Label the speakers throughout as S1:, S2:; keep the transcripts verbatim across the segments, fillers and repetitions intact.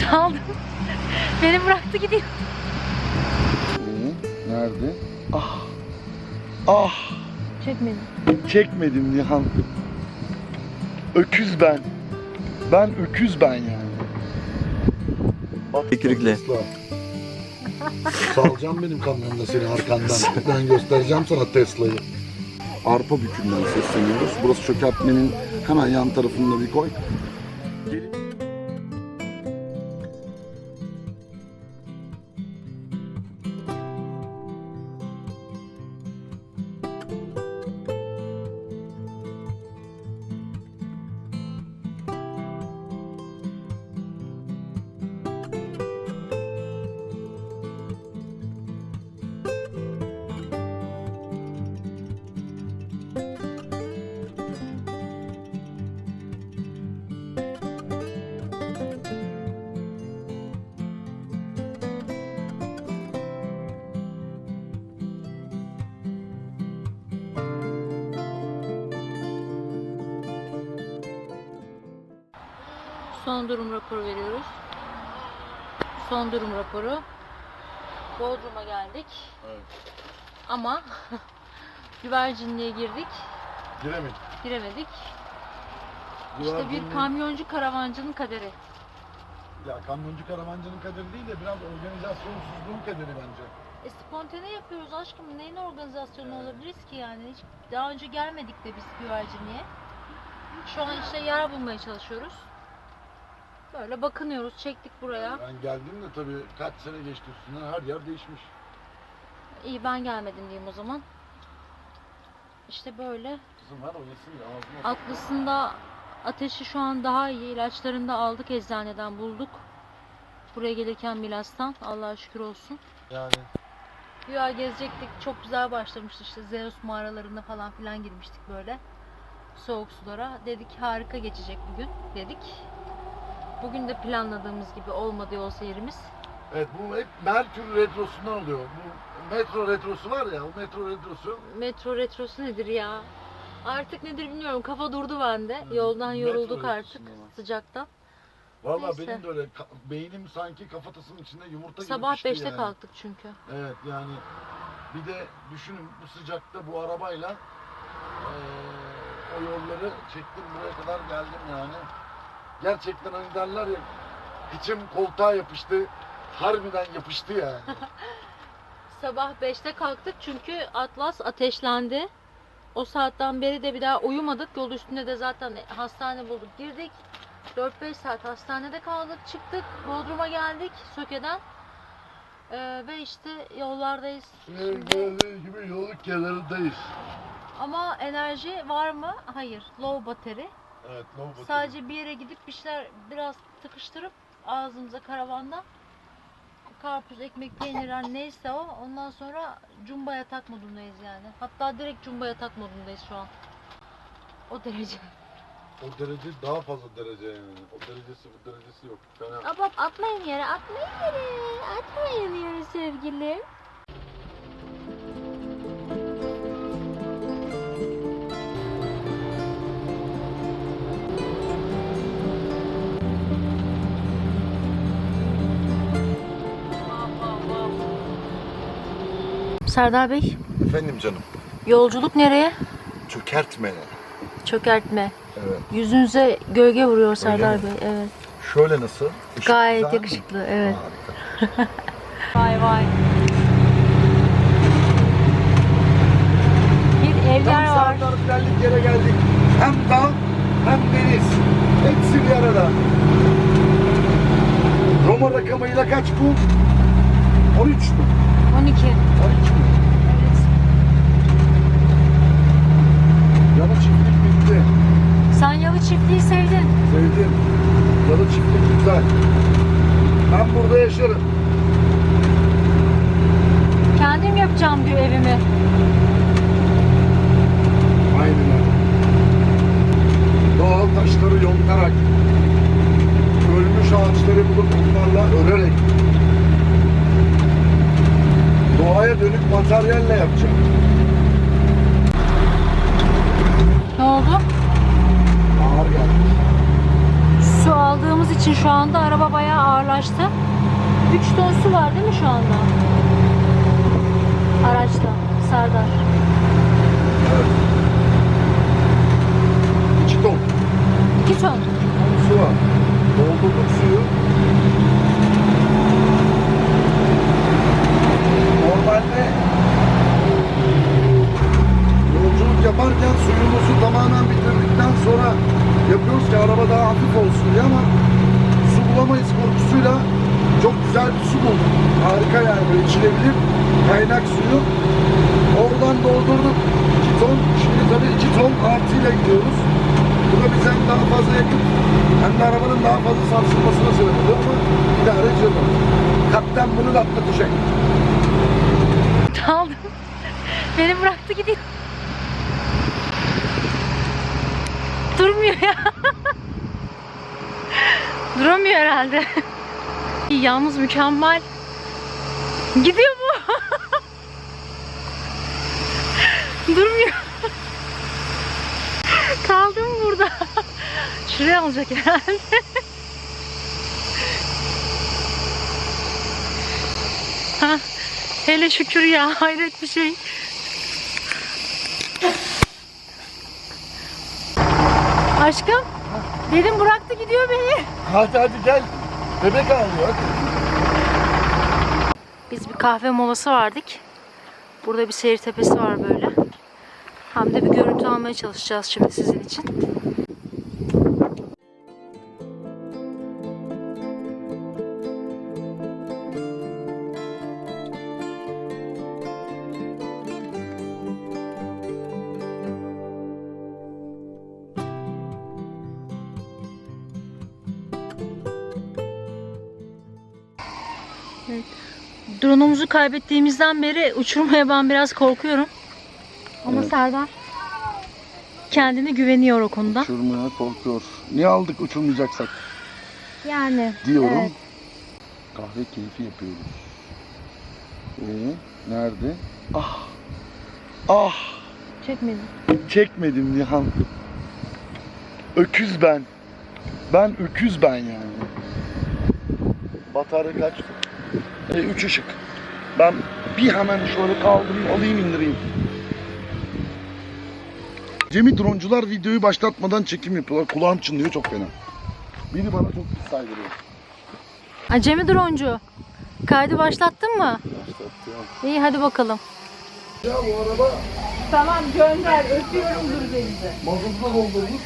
S1: Saldım. Beni bıraktı gidiyor.
S2: Ee, nerede? Ah. Ah.
S1: Çekmedim.
S2: Çekmedim Nihan. Öküz ben. Ben öküz ben yani.
S3: Tükürükle.
S2: Salacağım benim kamyonda seni arkandan. Ben göstereceğim sana Tesla'yı. Arpa Bükü'nden sesleniyoruz. Burası çökertmenin hemen yan tarafında bir koy. Gelin.
S1: Son durum raporu veriyoruz. Son durum raporu. Bodrum'a geldik.
S2: Evet.
S1: Ama güvercinliğe girdik.
S2: Giremedik.
S1: Giremedik. İşte
S2: Güvercinliğe-
S1: bir kamyoncu karavancının kaderi.
S2: Ya kamyoncu karavancının kaderi değil de biraz organizasyonsuzluğun kaderi bence.
S1: E spontane yapıyoruz aşkım. Neyin organizasyonu olabiliriz ki yani? Hiç daha önce gelmedik de biz güvercinliğe. Şu an işte yer bulmaya çalışıyoruz. Böyle bakınıyoruz. Çektik buraya.
S2: Ben geldim de tabii kaç sene geçti üstünden her yer değişmiş.
S1: İyi ben gelmedim diyeyim o zaman. İşte böyle.
S2: Kızım ver oynasın ya ağzıma.
S1: Aklısında ateşi şu an daha iyi. İlaçlarını da aldık eczaneden bulduk. Buraya gelirken Milas'tan. Allah'a şükür olsun.
S2: Yani.
S1: Güya gezecektik. Çok güzel başlamıştı işte. Zeus mağaralarına falan filan girmiştik böyle. Soğuk sulara. Dedik harika geçecek bugün dedik. Bugün de planladığımız gibi olmadı yol seyrimiz.
S2: Evet bu hep Merkür Retrosu'ndan oluyor. Bu metro retrosu var ya, o metro retrosu.
S1: Metro retrosu nedir ya? Artık nedir bilmiyorum. Kafa durdu bende. Yoldan
S2: Metro
S1: yorulduk artık
S2: retrosundan var.
S1: sıcaktan.
S2: Valla
S1: Neyse.
S2: benim de öyle ka- beynim sanki kafatasının içinde yumurta gibi
S1: Sabah
S2: pişti
S1: beşte
S2: yani.
S1: kalktık çünkü.
S2: Evet yani bir de düşünün bu sıcakta bu arabayla eee, o yolları çektim buraya kadar geldim yani. Gerçekten hani derler ya içim koltuğa yapıştı. Harbiden yapıştı yani.
S1: Sabah beşte kalktık çünkü Atlas ateşlendi. O saatten beri de bir daha uyumadık. Yol üstünde de zaten hastane bulduk. Girdik. dört beş saat hastanede kaldık. Çıktık. Bodrum'a geldik Söke'den. Ee, ve işte yollardayız. Şimdi...
S2: Gördüğünüz gibi yolun kenarındayız.
S1: Ama enerji var mı? Hayır. Low battery.
S2: Evet, no battery.
S1: Sadece bir yere gidip bir şeyler biraz tıkıştırıp ağzımıza karavanda karpuz, ekmek, peynir her neyse o. Ondan sonra cumba yatak modundayız yani. Hatta direkt cumba yatak modundayız şu an. O derece.
S2: O derece daha fazla derece yani. O derecesi bu derecesi yok. Fena.
S1: Hop hop atmayın yere, atmayın yere. Atmayın yere sevgilim. Serdar Bey,
S2: Efendim canım.
S1: yolculuk nereye?
S2: Çökertme.
S1: Çökertme.
S2: Evet.
S1: Yüzünüze gölge vuruyor Serdar
S2: mi?
S1: Bey. Evet.
S2: Şöyle nasıl? Işık
S1: Gayet
S2: güzel mi?
S1: yakışıklı. Evet.
S2: Harika.
S1: Vay vay. Bir evler
S2: Tam
S1: var.
S2: Serdar Bilal'lik yere geldik. Hem dağ hem deniz. Hepsi bir arada. Roma rakamıyla kaç bu? on üç mü?
S1: on iki.
S2: on iki mi?
S1: Evet.
S2: Yalı çiftlik bitti.
S1: Sen Yalı Çiftliği sevdin.
S2: Sevdim. Yalı çiftlik güzel. Ben burada yaşarım.
S1: Kendim yapacağım diyor evimi.
S2: Aynen öyle. Doğal taşları yontarak, ölmüş ağaçları bulup onlarla örerek, doğaya dönük materyalle yapacağım.
S1: Ne oldu?
S2: Ağır geldi.
S1: Su aldığımız için şu anda araba bayağı ağırlaştı. üç ton su var değil mi şu anda? Araçta. Serdar.
S2: Evet. iki ton.
S1: iki ton.
S2: Su var. Doldurduk suyu. Normalde yolculuk yaparken suyumuzu tamamen bitirdikten sonra yapıyoruz ki araba daha hafif olsun diye, ama su bulamayız korkusuyla çok güzel bir su bulduk. Harika yani, böyle içilebilir kaynak suyu. Oradan doldurduk iki ton. Şimdi tabii iki ton artıyla gidiyoruz. Bu da bize hem daha fazla yakıt hem de arabanın daha fazla sarsılmasına sebep oluyor, ama idare ediyoruz. Kaptan bunu da atlatacak.
S1: Aldım. Beni bıraktı gidiyor. Durmuyor ya. Duramıyor herhalde. Yalnız mükemmel. Gidiyor bu. Durmuyor. Kaldım burada. Şuraya alacak herhalde. Ha, hele şükür ya, hayret bir şey. Aşkım, dedim bıraktı gidiyor beni.
S2: Hadi hadi gel. Bebek ağlıyor hadi.
S1: Biz bir kahve molası verdik. Burada bir seyir tepesi var böyle. Hem de bir görüntü almaya çalışacağız şimdi sizin için. Evet. Drone'umuzu kaybettiğimizden beri uçurmaya ben biraz korkuyorum. Ama
S2: Evet.
S1: Serdar kendine güveniyor o konuda.
S2: Uçurmaya korkuyor. Niye aldık uçurmayacaksak
S1: Yani
S2: diyorum.
S1: evet.
S2: Kahve keyfi yapıyoruz. Ee, nerede? Ah. Ah.
S1: Çekmedim.
S2: Çekmedim Nihan. Öküz ben. Ben öküz ben yani. Batarya kaç? E, üç ışık. Ben bir hemen şöyle kaldırayım, alayım, indireyim. Cemil droncular videoyu başlatmadan çekim yapıyorlar. Kulağım çınlıyor çok fena. Biri bana çok pis saygılıyor.
S1: Acemi droncu. Kaydı başlattın mı?
S2: Başlattı.
S1: İyi hadi bakalım.
S2: Ya bu araba
S3: Tamam gönder, öpüyorumdur denize.
S2: mazotla doldurmuş.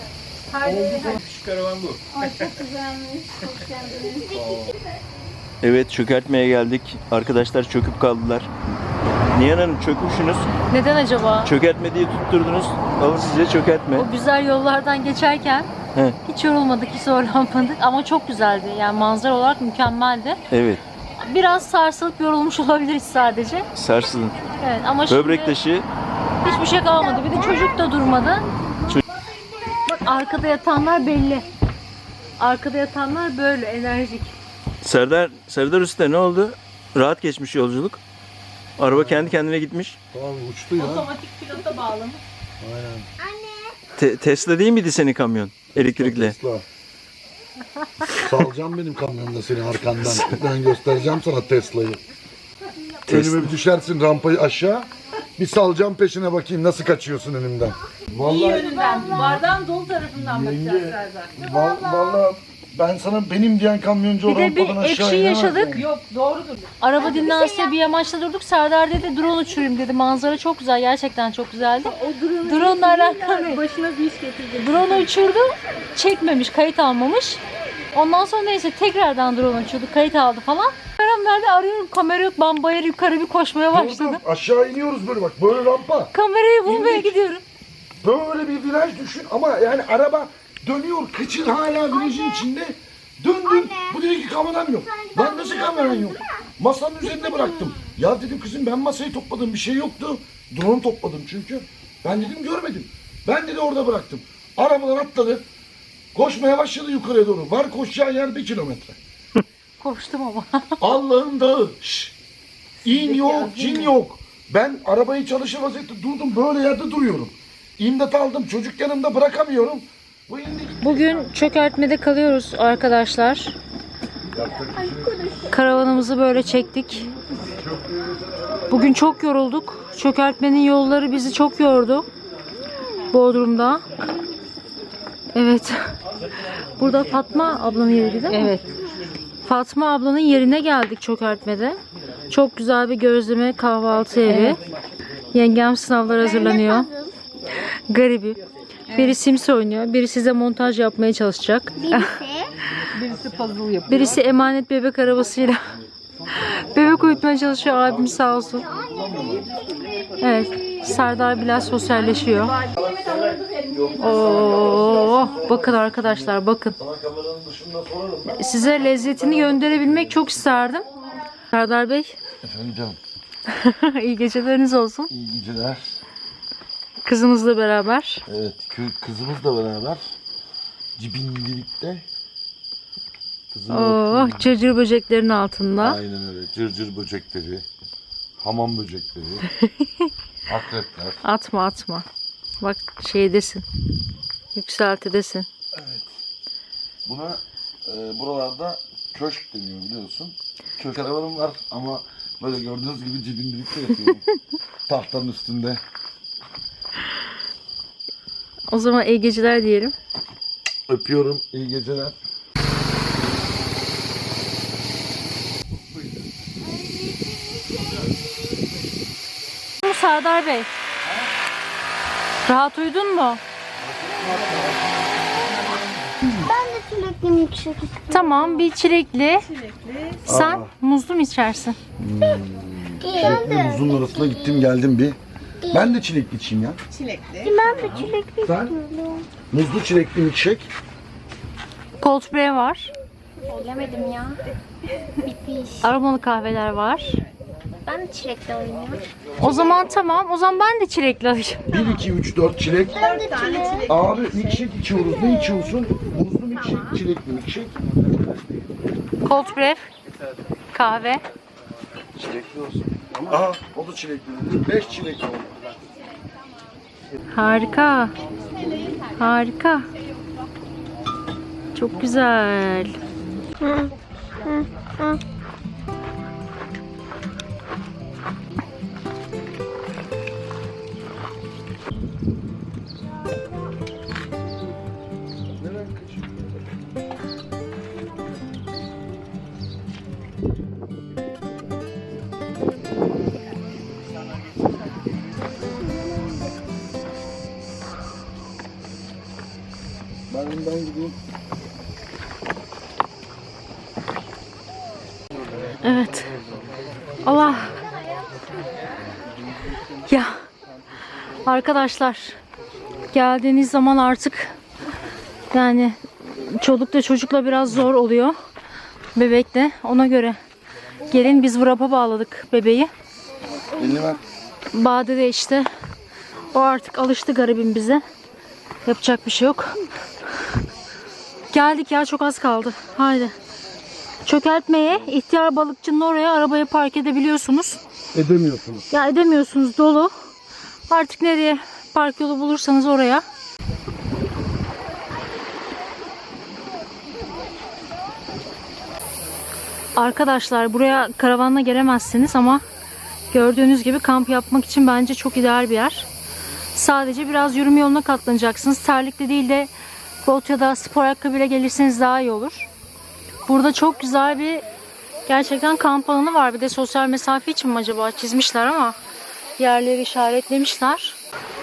S4: Şu karavan bu.
S3: Ay çok güzelmiş, hoş geldiniz.
S4: Evet, çökertmeye geldik. Arkadaşlar çöküp kaldılar. Nihan Hanım çökmüşsünüz.
S1: Neden acaba?
S4: Çökertme diye tutturdunuz. Alın size çökertme.
S1: O güzel yollardan geçerken
S4: He.
S1: hiç yorulmadık, hiç zorlanmadık ama çok güzeldi. Yani manzara olarak mükemmeldi.
S4: Evet,
S1: Biraz sarsılıp yorulmuş olabiliriz sadece.
S4: sarsılın.
S1: Evet ama şimdi
S4: Böbrek taşı.
S1: hiçbir şey kalmadı. Bir de çocuk da durmadı.
S4: Çocuk-
S1: Bak arkada yatanlar belli. Arkada yatanlar böyle enerjik.
S4: Serdar, Serdar Usta ne oldu? Rahat geçmiş yolculuk. Araba kendi kendine gitmiş.
S2: Tamam uçtu ya.
S3: Otomatik pilota bağlamış.
S2: Aynen.
S4: Te- Tesla değil miydi senin kamyon? Elektrikli.
S2: Tesla. Salacağım benim kamyonda seni arkandan. Ben göstereceğim sana Tesla'yı.
S4: Tesla.
S2: Önüme bir düşersin rampayı aşağı. Bir salacağım peşine, bakayım nasıl kaçıyorsun önümden.
S3: İyi
S2: Vallahi
S3: yönünden, bardağın dolu tarafından bakacağız
S2: yenge,
S3: Serdar.
S2: val- vallahi ben sana benim diyen kamyoncu
S1: Bir
S2: o
S1: de bir
S2: rampadan aşağı
S1: ekşi
S2: inemez
S1: yaşadık.
S2: yani.
S3: Yok doğrudur.
S1: Araba dinlense bir yamaçta durduk. Serdar dedi drone uçurayım dedi. Manzara çok güzel. Gerçekten çok güzeldi. Drone'la alakalı.
S3: Başına bir iş getirecek.
S1: Drone uçurdu. Çekmemiş, kayıt almamış. Ondan sonra neyse tekrardan drone uçurdu. Kayıt aldı falan. Kameram nerede arıyorum. Kamera yok. Ben bayır yukarı bir koşmaya başladım.
S2: Dur, dur, aşağı iniyoruz böyle bak, böyle rampa.
S1: Kamerayı bulmaya
S2: İndik.
S1: gidiyorum.
S2: Böyle bir viraj düşün ama yani araba dönüyor, kıçın hala virajın içinde. Döndüm, bu dedi ki kameram yok. Lan nasıl kameran yok? Masanın üzerinde bıraktım. Ya dedim kızım, ben masayı topladım, bir şey yoktu. Drone topladım çünkü. Ben dedim görmedim. Ben dedi orada bıraktım. Arabadan atladı. Koşmaya başladı yukarıya doğru. Var koşacağı yer bir kilometre.
S1: Koştum ama.
S2: Allah'ın dağı. Şşş. İn yok, cin yok. Ben arabayı çalışır vaziyette durdum, böyle yerde duruyorum. İmdat aldım, çocuk yanımda bırakamıyorum. Bu indi.
S1: Bugün çökertmede kalıyoruz arkadaşlar. Karavanımızı böyle çektik. Bugün çok yorulduk. Çökertmenin yolları bizi çok yordu. Bodrum'da. Evet. Burada Fatma ablanın yeri değil mi? Evet. Fatma ablanın yerine geldik çökertmede. Çok güzel bir gözleme kahvaltı evi. Yengem sınavlar hazırlanıyor. Garibi. Biri Sims oynuyor. Biri size montaj yapmaya çalışacak.
S3: Birisi puzzle yapıyor.
S1: Birisi emanet bebek arabasıyla bebek uyutmaya çalışıyor. Abim sağ olsun. Evet. Serdar biraz sosyalleşiyor. Oo, bakın arkadaşlar bakın. Size lezzetini gönderebilmek çok isterdim. Serdar Bey.
S2: Efendim canım.
S1: İyi geceleriniz olsun.
S2: İyi geceler.
S1: Kızınızla beraber.
S2: Evet, kı- kızımızla beraber cibindilikte.
S1: Oh, cırcır böceklerin altında.
S2: Aynen öyle. Cırcır böcekleri, hamam böcekleri, akrepler.
S1: Atma atma. Bak şeydesin. Yükseltidesin.
S2: Evet. Buna e, buralarda köşk deniyor biliyorsun. Köşk karavanım var ama böyle gördüğünüz gibi cibindilikte yatıyorum. Tahtanın üstünde.
S1: O zaman iyi geceler diyelim.
S2: Öpüyorum. İyi geceler.
S1: Serdar Bey. Rahat uyudun mu?
S5: Ben de çilekli milkshake istiyorum.
S1: Tamam, bir çilekli. Sen
S2: Aa.
S1: muzlu mu içersin?
S2: Çilekli muzun arasına gittim geldim bir. Ben de çilekli içeyim ya.
S5: Ben de çilekli
S2: Sen?
S5: istiyorum.
S2: Muzlu çilekli milkshake.
S1: Cold brew var.
S5: Bilemedim ya. Bitmiş.
S1: Aromalı kahveler var.
S5: Ben de çilekli alayım ya.
S1: O zaman tamam. O zaman ben de çilekli alayım.
S2: bir, iki, üç, dört çilek.
S5: Ben de çilek.
S2: Abi milkshake içiyoruz. Ne içiyorsun? Muzlu milkshake, çilekli milkshake.
S1: Cold brew. Kahve.
S2: Çilekli olsun. Aha o da çilekli. beş çilekli oldu.
S1: Harika. Harika. Çok güzel.
S2: Neden kaçıyor? Ben önden gideyim.
S1: Evet. Allah. Ya. Arkadaşlar. Geldiğiniz zaman artık yani çolukla çocukla biraz zor oluyor. Bebekle. Ona göre gelin, biz wrap'a bağladık bebeği.
S2: Elini ver.
S1: Bade de işte. O artık alıştı garibim bize. Yapacak bir şey yok. Geldik ya, çok az kaldı. Haydi. Çökertmeye, ihtiyar balıkçının oraya arabayı park edebiliyorsunuz.
S2: Edemiyorsunuz.
S1: Ya edemiyorsunuz, dolu. Artık nereye park yolu bulursanız oraya. Arkadaşlar buraya karavanla gelemezsiniz ama gördüğünüz gibi kamp yapmak için bence çok ideal bir yer. Sadece biraz yürüme yoluna katlanacaksınız. Terlikle değil de bot ya da spor ayakkabıyla gelirseniz daha iyi olur. Burada çok güzel bir gerçekten kamp alanı var. Bir de sosyal mesafe için mi acaba çizmişler ama yerleri işaretlemişler.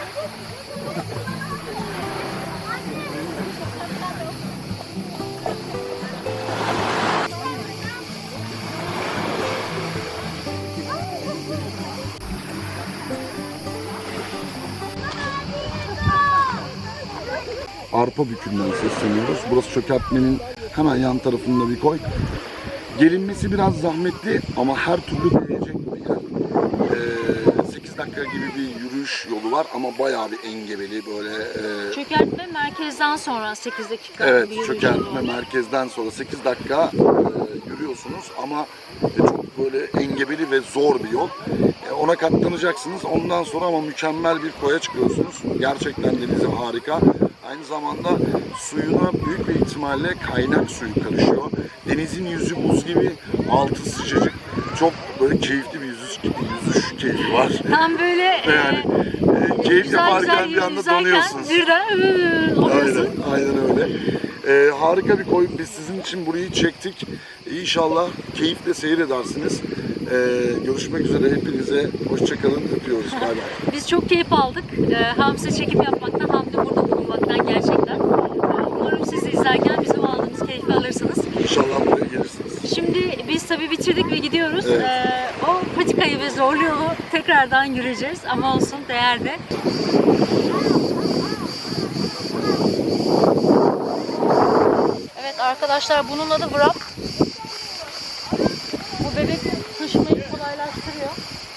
S2: Arpa Bükü'nden sesleniyoruz. Burası çökertmenin hemen yan tarafında bir koy. Gelinmesi biraz zahmetli ama her türlü değecek bir yer. Ee, sekiz dakika gibi bir yürüyüş yolu var ama bayağı bir engebeli böyle. E...
S1: Çökertme merkezden sonra sekiz dakika.
S2: Evet,
S1: bir yürüyüş
S2: çökertme
S1: yolu.
S2: merkezden sonra sekiz dakika e, yürüyorsunuz ama e, çok böyle engebeli ve zor bir yol. E, ona katlanacaksınız. Ondan sonra ama mükemmel bir koya çıkıyorsunuz. Gerçekten denizi harika. Aynı zamanda suyuna büyük bir ihtimalle kaynak suyu karışıyor. Denizin yüzü buz gibi, altı sıcacık. Çok böyle keyifli bir yüzüş, yüzüş keyfi var.
S1: Tam böyle
S2: Yani e, keyif
S1: güzel
S2: yaparken
S1: güzel
S2: bir anda
S1: yüzerken
S2: donuyorsunuz.
S1: birden ıı, oluyorsun.
S2: Aynen, aynen öyle. Ee, harika bir koy. Biz sizin için burayı çektik. İnşallah keyifle seyredersiniz. Ee, görüşmek üzere. Hepinize hoşçakalın. Öpüyoruz. Bay bay.
S1: Biz çok keyif aldık. Ee, hem size çekim yapmaktan hem de burada bulunmaktan gerçekten. Ee, umarım siz de izlerken bizim aldığımız keyfi alırsınız.
S2: İnşallah buraya gelirsiniz.
S1: Şimdi biz tabii bitirdik ve gidiyoruz.
S2: Evet.
S1: Ee, o patikayı ve zorlu yolu tekrardan yürüyeceğiz ama olsun değerli. Evet arkadaşlar bunun adı wrap. Bu bebek taşımayı kolaylaştırıyor.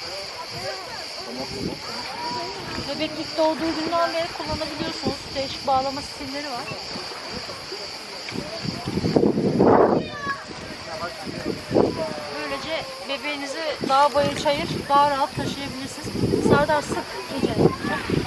S1: Bebek ilk doğduğu günden beri kullanabiliyorsunuz. Değişik bağlama stilleri var. Böylece bebeğinizi dağ bayır çayır daha rahat taşıyabilirsiniz. Serdar sık iyice.